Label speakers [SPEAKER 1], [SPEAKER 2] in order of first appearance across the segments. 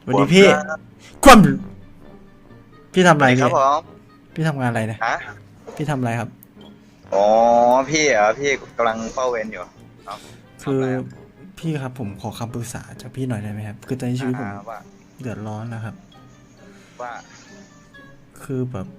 [SPEAKER 1] วันนี้พี่ความพี่ทำอะไรพี่
[SPEAKER 2] ครับผม
[SPEAKER 1] พี่ทำงานอะไรเนี่ย
[SPEAKER 2] ฮะ
[SPEAKER 1] พี่ทำอะไรครับ
[SPEAKER 2] อ๋อพี่เหรอพี่กำลังเฝ้าเวรอยู่เนาะ
[SPEAKER 1] คือพี่ครับผมขอคำปรึกษาจากพี่หน่อยได้ไหมครับคือตอนนี้ชีวิตผม
[SPEAKER 2] ว่า
[SPEAKER 1] เดือดร้อนนะครับ
[SPEAKER 2] ว่า
[SPEAKER 1] คือแบบ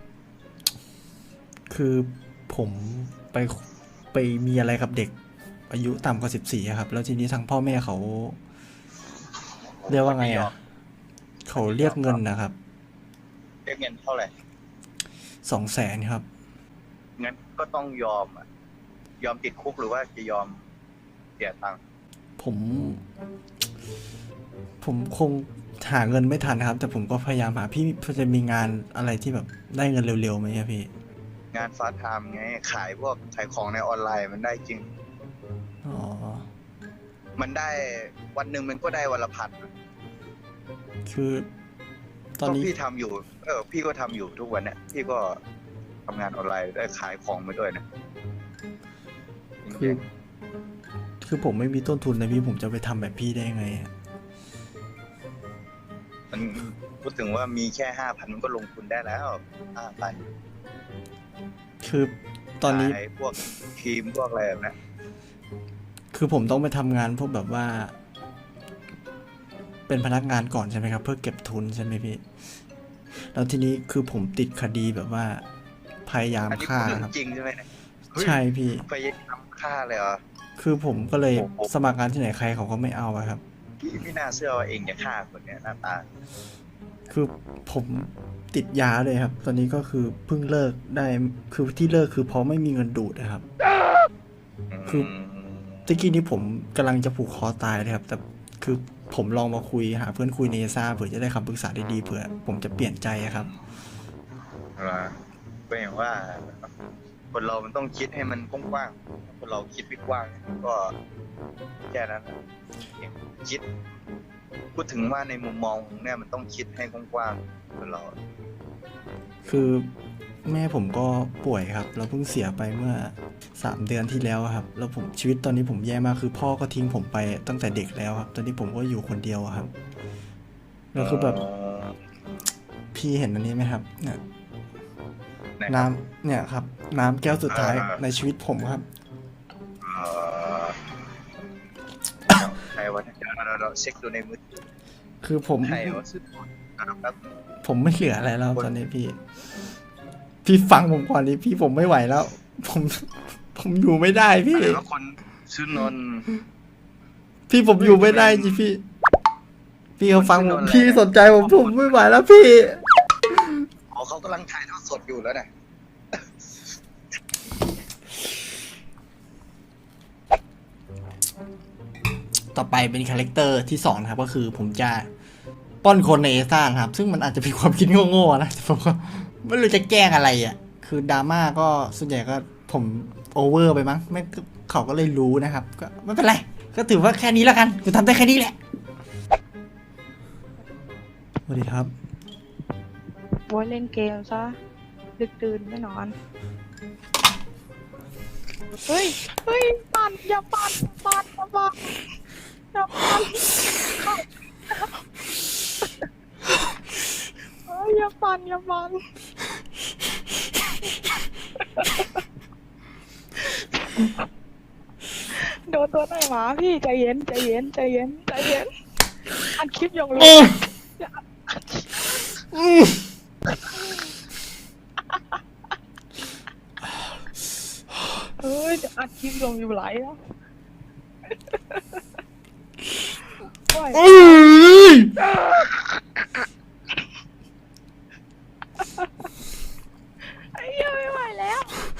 [SPEAKER 1] คือผมไปไปมีอะไรกับเด็กอายุต่ำกว่า14ครับแล้วทีนี้ทางพ่อแม่เขาเรียกว่าไงอ่ะเขาเรียกเงินนะครับ
[SPEAKER 2] เรียกเงินเท่าไหร่
[SPEAKER 1] 200,000ครับ
[SPEAKER 2] งั้นก็ต้องยอมอ่ะยอมติดคุกหรือว่าจะยอมเสียตังค์
[SPEAKER 1] ผมผมคงหาเงินไม่ทันนะครับแต่ผมก็พยายามหาพี่พอจะมีงานอะไรที่แบบได้เงินเร็วๆไหมครับพี่
[SPEAKER 2] งานฟาสต์ไทม์ไงขายพวกขายของในออนไลน์มันได้จริง
[SPEAKER 1] อ๋อ
[SPEAKER 2] มันได้วันหนึ่งมันก็ได้วันละพัน
[SPEAKER 1] คือตอนนี้
[SPEAKER 2] พี่ทำอยู่พี่ก็ทำอยู่ทุกวันเนี่ยพี่ก็ทำงานออนไลน์ได้ขายของไปด้วยนะ
[SPEAKER 1] คือคือผมไม่มีต้นทุนนะพี่ผมจะไปทำแบบพี่ได้ไง
[SPEAKER 2] มันพูดถึงว่ามีแค่5,000มันก็ลงทุนได้แล้ว5,000
[SPEAKER 1] คือตอนนี้
[SPEAKER 2] พวกครีมพวกอะไรแบบนี้
[SPEAKER 1] คือผมต้องไปทำงานพวกแบบว่า เป็นพนักงานก่อนใช่ไหมครับเพื่อเก็บทุนใช่ไหมพี่แล้วทีนี้คือผมติดคดีแบบว่าพยายามฆ่าครับ
[SPEAKER 2] จริงใช่ไหม
[SPEAKER 1] ใช่พี่
[SPEAKER 2] พยายามฆ่าเลยเหรอ
[SPEAKER 1] คือผมก็เลยสมัครงานที่ไหนใครเขาก็ไม่เอาครับ
[SPEAKER 2] พี่น่าเชื่อว่าเองจะฆ่าคนเนี้ยหน้าตา
[SPEAKER 1] คือผมติดยาเลยครับตอนนี้ก็คือเพิ่งเลิกได้คือที่เลิกคือเพราะไม่มีเงินดูดนะครับคือตะกี้นี้ผมกำลังจะผูกคอตายเลยครับแต่คือผมลองมาคุยหาเพื่อนคุยในซ่าเผื่อจะได้คำปรึกษาดีๆเผื่อผมจะเปลี่ยนใจครับ
[SPEAKER 2] ก็อย่างว่าคนเรามันต้องคิดให้มันกว้างๆคนเราคิดไม่กว้างก็แค่นั้นคิดพูดถึงว่าในมุมมองเนี่ยมันต้องคิดให้กว้างๆคนเรา
[SPEAKER 1] คือแม่ผมก็ป่วยครับเราเพิ่งเสียไปเมื่อ3 เดือนที่แล้วครับแล้วผมชีวิตตอนนี้ผมแย่มากคือพ่อก็ทิ้งผมไปตั้งแต่เด็กแล้วครับตอนนี้ผมก็อยู่คนเดียวครับแล้วคือแบบพี่เห็นอันนี้ไหมครับเนี่ยน้ำเนี่ยครับน้ำแก้วสุดท้ายในชีวิตผมครับ
[SPEAKER 2] ใครวะเราเช็คดูในมือ
[SPEAKER 1] คือผมไม่เหลืออะไรแล้วตอนนี้พี่ฟังผมก่อนดิพี่ผมไม่ไหวแล้วผมอยู่ไม่ได้พี่
[SPEAKER 2] แล้วคนชื่อนน
[SPEAKER 1] พี่ผมอยู่ไม่ได้จริงพี่เขาฟังผมพี่สนใจผมไม่ไหวแล้วพี่
[SPEAKER 2] เขากำลังถ่ายทอดสดอยู่แล้วนะ
[SPEAKER 1] ต่อไปเป็นคาแรคเตอร์ที่2นะครับก็คือผมจะป้อนคนในเอซ่าครับซึ่งมันอาจจะเป็นความคิดโง่ๆนะแต่ผมก็ไม่รู้จะแกล้งอะไรอ่ะคือดราม่าก็ส่วนใหญ่ก็ผมโอเวอร์ไปมั้งไม่เขาก็เลยรู้นะครับก็ไม่เป็นไรก็ถือว่าแค่นี้แล้วกันกูทำได้แค่นี้แหละสวัสดีครับ
[SPEAKER 3] ว่าเล่นเกมซะดึกดื่นไม่นอนเฮ้ยปั่นอย่าปั่นอย่าปั่นเฮ้ยอย่าปั่นโดนตัวไหนมาพี่ใจเย็นอัดคลิปยังรู้เฮ้ยอัดคลิปลงอยู่ไหลแล้วไอ้ยังไม่ไหวแล้ว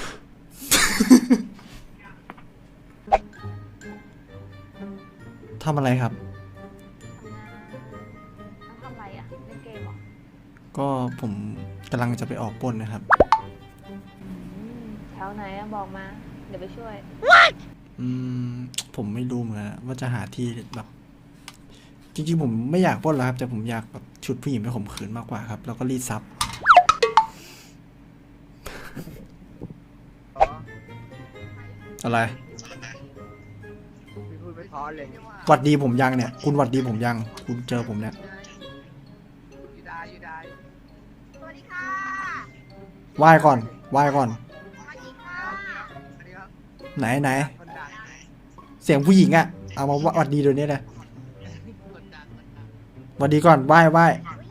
[SPEAKER 1] ทำอะไรครับ
[SPEAKER 3] ทำอะไรอ่ะเล่นเกมเหรอ
[SPEAKER 1] ก็ผมกำลังจะไปออกปล้นนะครับ
[SPEAKER 3] แถวไหนอะบอกมาเดี๋ยวไปช่วย
[SPEAKER 1] ผมไม่รู้เหมือนกันว่าจะหาที่แบบจริงๆผมไม่อยากปล้นแล้วครับแต่ผมอยากแบบชุดผู้หญิงไปข่มขืนมากกว่าครับแล้วก็รีดทรัพย์อะไรหวัดดีผมยังเนี่ยคุณหวัดดีผมยังคุณเจอผมเนี่ยไหว้ก่อนไหว้ก่อน ไหนเสียงผู้หญิงอะเอามาหวัดดีเดี๋ยวนี้เลยหวัดดีก่อนไหว้ไหว้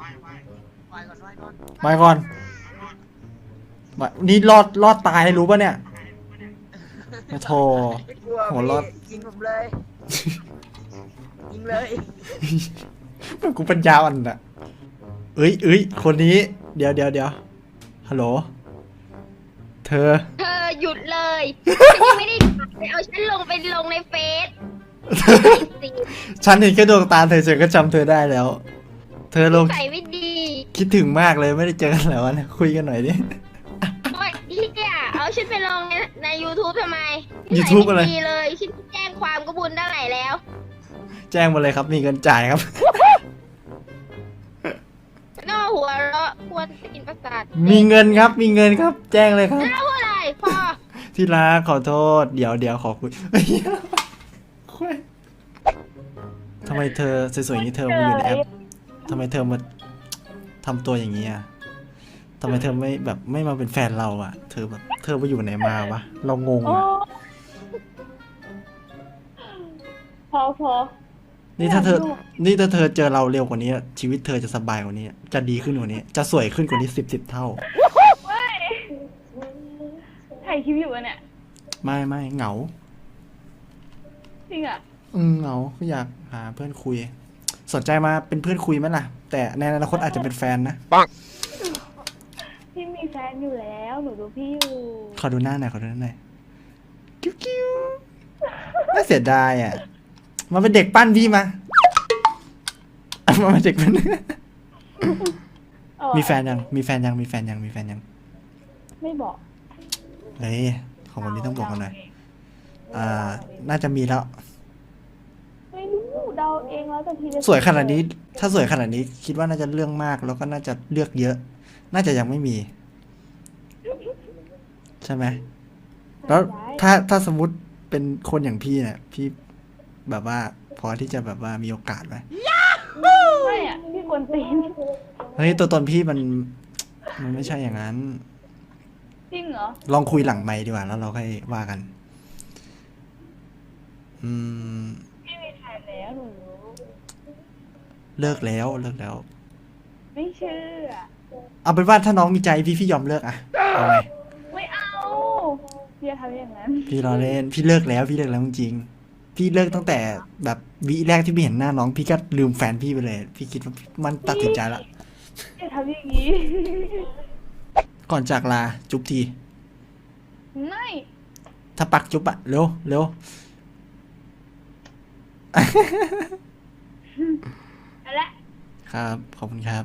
[SPEAKER 1] ก่อนนี่รอดตายรู้ป่ะเนี่ยมาโทร
[SPEAKER 4] ไม่กลัว
[SPEAKER 1] หัวรอด
[SPEAKER 4] ยิงผมเลย ยิงเลย
[SPEAKER 1] มันกูปัญญาอ่อนอะเอ้ยคนนี้เดี๋ยวฮัลโหลเธอ
[SPEAKER 5] เธอหยุดเลยฉันยังไม่ได้ไปเอาฉันลงในเฟซ
[SPEAKER 1] ฉันเห็นแค่ดวงตาเธอฉันก็จำเธอได้แล้ว เธอลง
[SPEAKER 5] ใส่ไม่ดี
[SPEAKER 1] คิดถึงมากเลยไม่ได้เจอกันแล้วนะคุยกันหน่อยดิ
[SPEAKER 5] ว่าที่เอาฉันไปลงใน YouTube ทำไม
[SPEAKER 1] YouTube อะไร
[SPEAKER 5] นิสัยม่ดีเลยฉันแจ้งความก็บุญได้ไหนแล้ว
[SPEAKER 1] แจ้งมาเลยครับมีเงินจ่ายครับ
[SPEAKER 5] นอกหัวเราะควรกินประสาท
[SPEAKER 1] มีเงินครับมีเงินครับ แจ้งเลยครับ
[SPEAKER 5] แล้วอะไรพอ
[SPEAKER 1] ที่รักขอโทษเดี๋ยวขอคุย ทำไมเธอสวยๆอย่างนี้เธอมาอยู่ในแอปทำไมเธอมาทำตัวอย่างนี้อ่ะทำไมเธอไม่มาเป็นแฟนเราอ่ะ เธอไปอยู่ไหนมาวะเรางง
[SPEAKER 3] โอ้
[SPEAKER 1] อ่ะ
[SPEAKER 3] พอ
[SPEAKER 1] นี่ถ้าเธอเจอเราเร็วกว่านี้ชีวิตเธอจะสบายกว่านี้ จะดีขึ้นกว่านี้ จะสวยขึ้นกว่านี้10 เท่า
[SPEAKER 3] ถ่ายคลิปอยู่อะเนี่ย
[SPEAKER 1] ไม่เหงา
[SPEAKER 3] จริงอ่ะ
[SPEAKER 1] เหงาก็อยากหาเพื่อนคุย สนใจมาเป็นเพื่อนคุยไหมล่ะ แต่ในอนาคตอาจจะเป็นแฟนนะ
[SPEAKER 3] พี่มีแฟนอยู่แล้ว หนูดูพี่อยู่
[SPEAKER 1] ขอดูหน้าหน่อยกิ้วน่าเสียดายอ่ะมาเป็นเด็กปั้นพี่มามาเป็นเด็กปั้น มีแฟนยังมีแฟนยัง
[SPEAKER 3] ไม่บอก
[SPEAKER 1] เฮ้ยของคนนี้ต้องบอกกันหน่อยน่าจะมีแล้ว
[SPEAKER 3] ไม่รู้เดาเองแล้วแต่ทีจะ
[SPEAKER 1] สวยขนาดนี้ ถ้าสวยขนาดนี้ คิดว่าน่าจะเรื่องมาก แล้วก็น่าจะเลือกเยอะ น่าจะยังไม่มี ใช่ไหม แล้วถ้าสมมติเป็นคนอย่างพี่เนี่ยพี่แบบว่าพอที่จะแบบว่ามีโอกาสไหม
[SPEAKER 3] ไม่อ่ะพี่กวนตีน
[SPEAKER 1] เฮ้ยตัวตนพี่มันไม่ใช่อย่างนั้น
[SPEAKER 3] จริงเหรอ
[SPEAKER 1] ลองคุยหลังไมค์ดีกว่าแล้วเราค่อยว่ากัน
[SPEAKER 3] พี่มีแฟนแล้วหนูรู้
[SPEAKER 1] เลิกแล้ว
[SPEAKER 3] ไม่เชื่อ
[SPEAKER 1] เอาเป็นว่าถ้าน้องมีใจพี่ยอมเลิกอะเอาไง
[SPEAKER 3] ไม่เอาอย่าทำอย่างนั้น
[SPEAKER 1] พี่รอเล่นพี่เลิกแล้วจริงๆพี่เลิกตั้งแต่แบบวิแรกที่พี่เห็นหน้าน้องพี่ก็ลืมแฟนพี่ไปเลย พี่คิดว่ามันตัดสินใจละ
[SPEAKER 3] อย่าทำอย่างนี้
[SPEAKER 1] ก่อนจากลาจุ๊บที
[SPEAKER 3] ไม่
[SPEAKER 1] ถ้าปักจุ๊บอะเร็ว
[SPEAKER 3] เอาละ
[SPEAKER 1] ครับขอบคุณครับ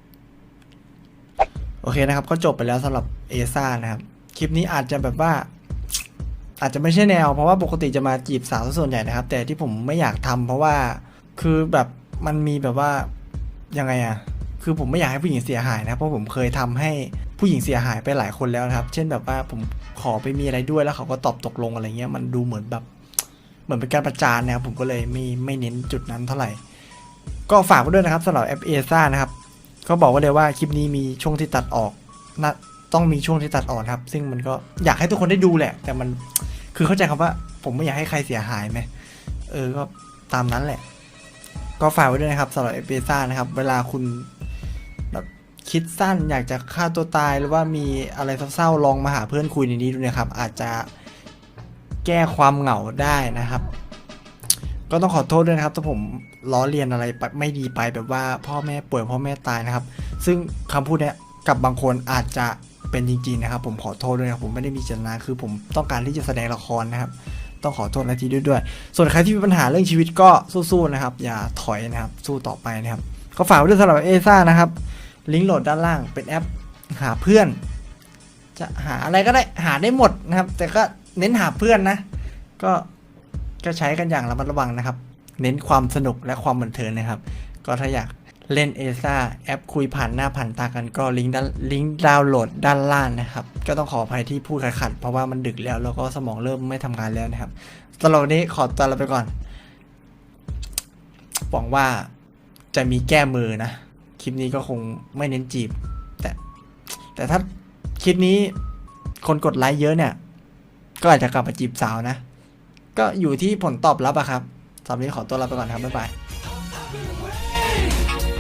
[SPEAKER 1] โอเคนะครับก็จบไปแล้วสำหรับเอซ่านะครับคลิปนี้อาจจะแบบว่า อาจจะไม่ใช่แนวเพราะว่าปกติจะมาจีบสาวส่วนใหญ่นะครับ แต่ที่ผมไม่อยากทำเพราะว่าคือแบบมันมีแบบว่ายังไงอะคือผมไม่อยากให้ผู้หญิงเสียหายนะเพราะผมเคยทำให้ผู้หญิงเสียหายไปหลายคนแล้วนะครับ เช่นแบบว่าผมขอไปมีอะไรด้วยแล้วเขาก็ตอบตกลงอะไรเงี้ยมันดูเหมือนแบบเหมือนเป็นการประจานนะครับผมก็เลยไม่เน้นจุดนั้นเท่าไหร่ก็ฝากไว้ด้วยนะครับสำหรับแอปเอซ่านะครับก็บอกไว้เลยว่าคลิปนี้มีช่วงที่ตัดออกนะต้องมีช่วงที่ตัดออกครับซึ่งมันก็อยากให้ทุกคนได้ดูแหละ แต่มันคือเข้าใจคำว่าผมไม่อยากให้ใครเสียหายไหมก็ตามนั้นแหละก็ฝากไว้ด้วยนะครับสำหรับเอพิซ่านะครับเวลาคุณแบบคิดสั้นอยากจะฆ่าตัวตายหรือว่ามีอะไรเศร้าๆลองมาหาเพื่อนคุยในนี้ดูนะครับอาจจะแก้ความเหงาได้นะครับ ก็ต้องขอโทษด้วยนะครับถ้าผมล้อเลียนอะไรไม่ดีไปแบบว่าพ่อแม่ป่วยพ่อแม่ตายนะครับซึ่งคำพูดเนี้ยกับบางคนอาจจะเป็นจริงๆนะครับผมขอโทษด้วยนะครับผมไม่ได้มีเจตนาคือผมต้องการที่จะแสดงละครนะครับต้องขอโทษนาทีด้วยส่วนใครที่มีปัญหาเรื่องชีวิตก็สู้ๆนะครับอย่าถอยนะครับสู้ต่อไปนะครับก็ฝากไว้ด้วยสำหรับเอซ่านะครับลิงก์โหลดด้านล่างเป็นแอปหาเพื่อนจะหาอะไรก็ได้หาได้หมดนะครับแต่ก็เน้นหาเพื่อนนะก็ใช้กันอย่างระมัดระวังนะครับเน้นความสนุกและความบันเทิงนะครับก็ถ้าอยากเล่นเอซ่าแอปคุยผ่านหน้าผ่านตากันก็ลิงก์ดาวน์โหลดด้านล่างนะครับก็ต้องขออภัยที่พูดขัดๆเพราะว่ามันดึกแล้วก็สมองเริ่มไม่ทำงานแล้วนะครับสำหรับวันนี้ขอตัวลาไปก่อนหวังว่าจะมีแก้มือนะคลิปนี้ก็คงไม่เน้นจีบแต่ถ้าคลิปนี้คนกดไลค์เยอะเนี่ย ก็อาจจะกลับมาจีบสาวนะ ก็อยู่ที่ผลตอบรับอะครับสำหรับวันนี้ขอตัวลาไปก่อนครับ บ๊ายบาย